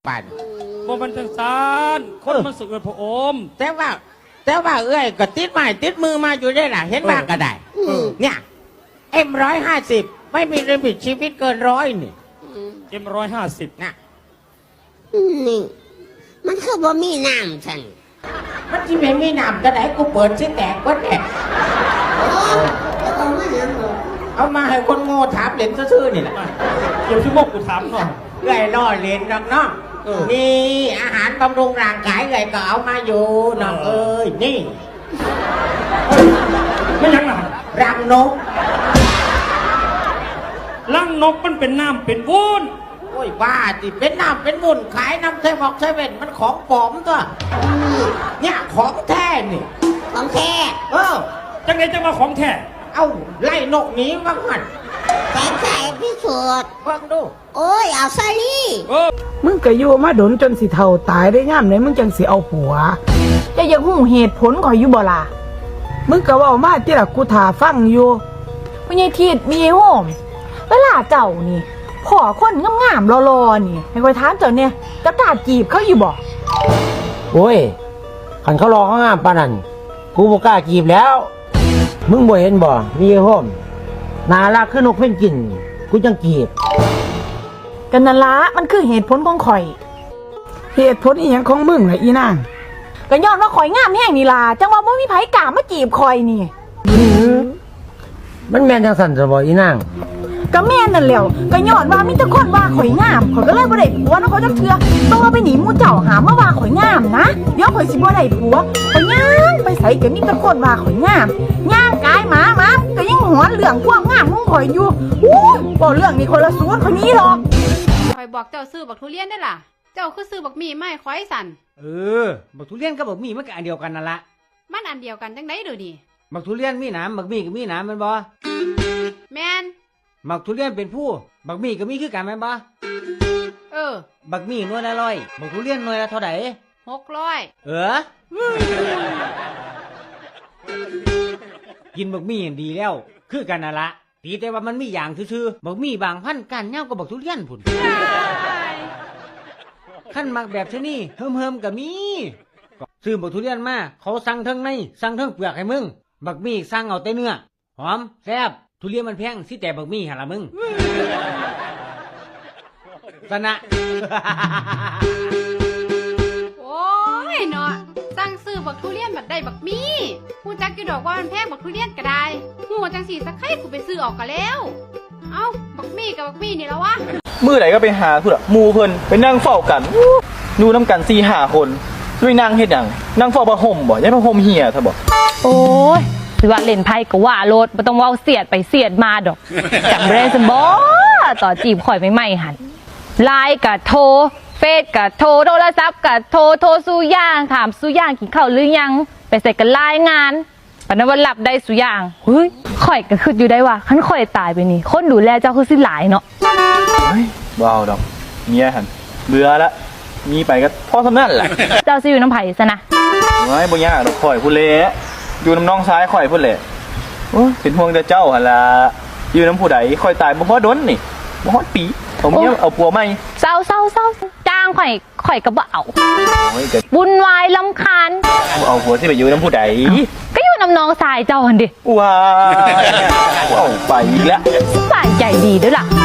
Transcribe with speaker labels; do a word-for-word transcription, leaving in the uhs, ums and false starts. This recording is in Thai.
Speaker 1: ปัน
Speaker 2: บ่มันจังซานคนมันสึกเลยพระอม
Speaker 1: แต่ว่าแต่ว่าเอ้ยก็ติดไม้ติดมือมาอยู่ได้ล่ะเห็นบ้างก็ได้เนี่ยเอ็มร้อยห้าสิบไม่มีลิมิตชีวิตเกินร้อยนี่
Speaker 2: เอ็มร้อยห้าสิบ
Speaker 1: นะ
Speaker 3: นี่มันคือบ่มีน้ำฉัน
Speaker 1: มันที่ไม่มีน้ำก็ได้กูเปิดซิแตกก็แตกเอามาให้คนโง่ถามเหรียญซื่อๆนี่แหละ
Speaker 2: เกี่ยวที่มกกูถามหน่อย
Speaker 1: เอ้ยล่อเหรียญน้องน้องนี่อาหารบำรุงร่างกายเอ้ยก็เอามาอยู่น้องเอ้ยนี่
Speaker 2: ไม่ยังหรอ
Speaker 1: รังนก
Speaker 2: รังนกมันเป็นน้ำเป็นวุ้น
Speaker 1: โอ้ยบ้าจิเป็นน้ำเป็นวุ้นขายน้ำเซฟอกเซเว่นมันของปลอมตัวเนี่ยของแท้นี่
Speaker 3: ของแท้
Speaker 1: เออ
Speaker 2: จังไงจะมาของแท้
Speaker 1: เอาไล่นกหนีบ้างมัน
Speaker 3: แต่ใส่พิสูจน์
Speaker 1: บ้างดู
Speaker 3: โอ้ยเอาซะลี่
Speaker 4: มึงก็อยู่มาดนจนสิเท่าตายได้ย่ามไหนมึงจังสิเอาผัวจะยังหูเหตุผลข่อยอยู่บ่ล่ะมึงก็เว้ามาที่ละกูถ่าฟังอยู่
Speaker 5: พ่อใหญ่ทิดมีไอ้โหมเวลาเจ้านี่พ่อคนงามๆรอๆนี่ให้ข่อยถามเจ้าเนี่ยจะกล้าจีบเขาอยู่บ่
Speaker 6: โอ้ยขันเขารอเขางามปานนั้นกูบ่กล้าจีบแล้วมึงบ่เห็นบ่มีไอ้โฮมน่ารักคือนกเพ่นกินกูจังจีบ
Speaker 5: กันนั่นละมันคือเหตุผลของข่อย
Speaker 4: เหตุผลอีหยังของมึงล่ะอีนาง
Speaker 5: ก็ย้อนว่าข่อยงามแห้งนี่ล่ะจังว่าบ่มีไผกล้ามาจีบข่อยนี่
Speaker 6: มันแม่นจังสั่นซะบ่อีนาง
Speaker 5: ก็แม่นนั่นแหล้วก็ย้อนว่ามีแต่คนว่าข่อยงามข่อยก็เลยบ่ได้ผัวเนาะเขาจักเทื่อตัวไปหนีหมู่เจ้าหามาว่าข่อยงามนะเดี๋ยวข่อยสิบ่ได้ผัวข่อยย่างไปไสก็มีแต่คนว่าข่อยงามย่างกายหมาหมาก็ยังหวนเรื่องความงามของข่อยอยู่อู้บ่เรื่องนี้คนละส่วนข่อยนี้หรอก
Speaker 7: ข่อยบอกเจ้าซื้อบักทุเรียนได้ล่ะเจ้าคือซื้อบักมีไม่ข่อยสั่น
Speaker 8: เออบักทุเรียนกับบักมีมันก็อันเดียวกันนั่นละ
Speaker 7: มันอันเดียวกันจังได๋เด้อนี่
Speaker 8: บักทุเรียนมีหนามบักมีก็มีหนามแม่นบ่
Speaker 7: แม่น
Speaker 8: บักทุเรียนเป็นผู้บักมีก็มีคือกันแม่นบ่
Speaker 7: เออ
Speaker 8: บักมีหน่วยละร้อยบักทุเรียนหน่วยละเท่าใด
Speaker 7: หกร้อย
Speaker 8: เออกินบักมีดีแล้วคือกันนั่นละตีแต่ว่ามันมีอย่างซื่อๆบักมีบางพันธุ์ก้านยาวกว่าบักทุเรียนพุ่นขั้นมักแบบชนี้เฮิมๆก็มีซื้อบักทุเรียนมาเขาสั่งทั้งในสั่งทั้งเปลือกให้มึงบักมีสั่งเอาแต่เนื้อหอมแซ่บทุเรียนมันแพงสิแต่บักมีหั่นล่ะมึงสนะ
Speaker 7: โอ้ยเนาะสั่งซื้อบักทุเรียนบัดได้บักมีฮู้จักอยู่ดอกว่ามันแพงบักทุเรียนก็ได้ฮู้จังสิสักใครกูไปซื้อออกก็แล้วเอ้าบักมีกับบักมีนี่แล้ววะ
Speaker 9: มื้อไหนก็ไปหาพุ่นอะหมู่เพิ่นไปนั่งเฝ้ากันอยู่นำกัน สี่ห้า คนด้วยนั่งเฮ็ดหยังนั่งเฝ้าผ้าห่มบ่ยายผ้าห่มเหี่ยซะบ่
Speaker 5: โอ้ยสิว่าเล่นไพ่ก็ว่าโลดบ่ต้องเว้าเสียดไปเสียดมาดอกจำได้ซั่นบ่ต่อจีบข่อยใหม่ๆหั่นไลน์ก็โทรเฟซก็โทรโทรศัพท์ก็โทรโทรสู้ย่างถามสู้ย่างกินข้าวหรือยังไปใส่กันรายงานปานนั้นว่าหลับได้สู้ย่างเฮ้ยข่อยก็คิดอยู่ได้ว่าคันข่อยตายไปนี่คนดูแลเจ้าคือสิหลายเนาะ
Speaker 9: เฮ้ยบ่เอาดอกเมียหั่นเบื่อละมีไปก็พอสำนั้นแหละ
Speaker 5: เจ้าสิอยู่น้ำไผซะนะ
Speaker 9: โอ้ยบ่ยากดอกข่อยพุ่นแหละอยู่น้ำน้องซ้ายข่อยพุ่นแหละโอ้เป็นห่วงแต่เจ้าหั่นล่ะอยู่น้ำผู้ใดข่อยตายบ่พอดนนี่บ่ฮอดปีเอาเมียเอาผัวใหม่
Speaker 5: เศร้าๆๆจ้างข่อยข่อยก็บ่เอาโอ้ยก็วุ่นวายรำคาญ
Speaker 9: เอาผัวสิไปอยู่น้ำผู้ใด
Speaker 5: ก็อยู่น้ำน้องทรายเจ้าหั่นดิ
Speaker 9: ว้าเอาไปอีกแล้ว
Speaker 5: สบายใจดีเด้อล่ะ